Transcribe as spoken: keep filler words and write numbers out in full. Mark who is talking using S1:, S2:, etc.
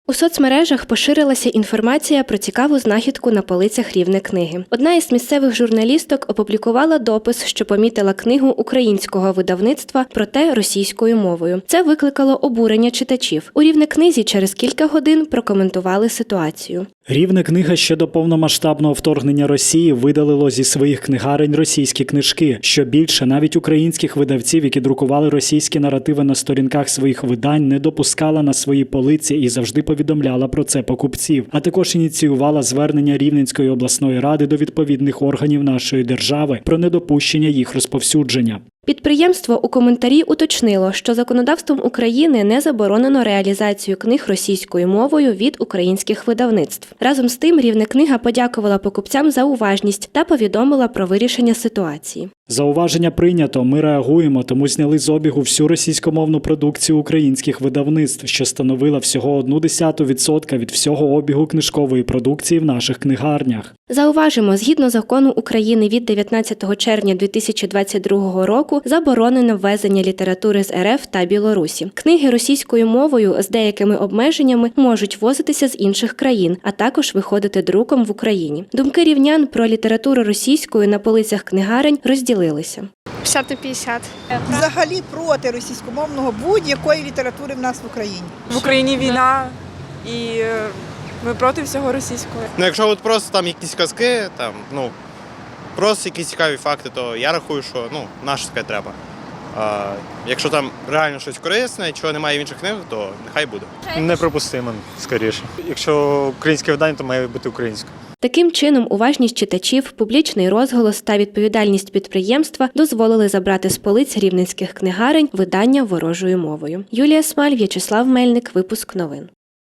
S1: У соцмережах поширилася інформація про цікаву знахідку на полицях Рівне книги. Одна із місцевих журналісток опублікувала допис, що помітила книгу українського видавництва, проте російською мовою. Це викликало обурення читачів. У Рівне книзі через кілька годин прокоментували ситуацію.
S2: Рівне книга ще до повномасштабного вторгнення Росії видалило зі своїх книгарень російські книжки. Що більше, навіть українських видавців, які друкували російські наративи на сторінках своїх видань, не допускала на свої полиці і завжди повідомляла про це покупців. А також ініціювала звернення Рівненської обласної ради до відповідних органів нашої держави про недопущення їх розповсюдження.
S1: Підприємство у коментарі уточнило, що законодавством України не заборонено реалізацію книг російською мовою від українських видавництв. Разом з тим, Рівне книга подякувала покупцям за уважність та повідомила про вирішення ситуації.
S2: Зауваження прийнято, ми реагуємо, тому зняли з обігу всю російськомовну продукцію українських видавництв, що становила всього одну десяту відсотка від всього обігу книжкової продукції в наших книгарнях.
S1: Зауважимо, згідно закону України від дев'ятнадцятого червня дві тисячі двадцять другого року заборонено ввезення літератури з РФ та Білорусі. Книги російською мовою з деякими обмеженнями можуть возитися з інших країн, а також виходити друком в Україні. Думки рівнян про літературу російською на полицях книгарень розділилися.
S3: п'ятдесят на п'ятдесят.
S4: Взагалі проти російськомовного будь-якої літератури в нас в Україні.
S5: В Україні війна і е, ми проти всього російського.
S6: Ну, якщо от просто там якісь казки, там, ну, просто якісь цікаві факти, то я рахую, що ну, наше таке треба. А якщо там реально щось корисне, чого немає в інших книгах, то нехай буде.
S7: Неприпустимо, скоріше. Якщо українське видання, то має бути українське.
S1: Таким чином, уважність читачів, публічний розголос та відповідальність підприємства дозволили забрати з полиць рівненських книгарень видання ворожою мовою. Юлія Смаль, В'ячеслав Мельник, випуск новин.